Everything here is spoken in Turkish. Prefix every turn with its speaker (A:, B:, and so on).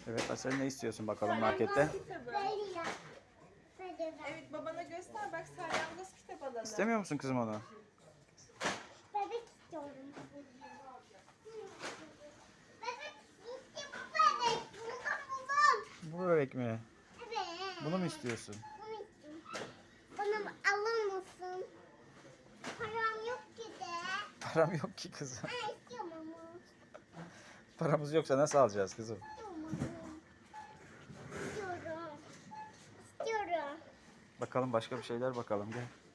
A: Evet Asel, ne istiyorsun bakalım markette?
B: Kitabı. Evet, babana göster, bak salyangoz kitap alalım.
A: İstemiyor musun kızım onu?
C: Bebek istiyorum. Bebek işte bu bebek. Buldum.
A: Bu bebek mi?
C: Evet.
A: Bunu mu istiyorsun?
C: Bunu istiyorum. Bana alır mısın? Param yok ki de.
A: Param yok ki kızım.
C: Ha, istiyorum ama.
A: Paramız yoksa nasıl alacağız kızım?
C: İstiyorum. İstiyorum.
A: Bakalım başka bir şeyler bakalım gel.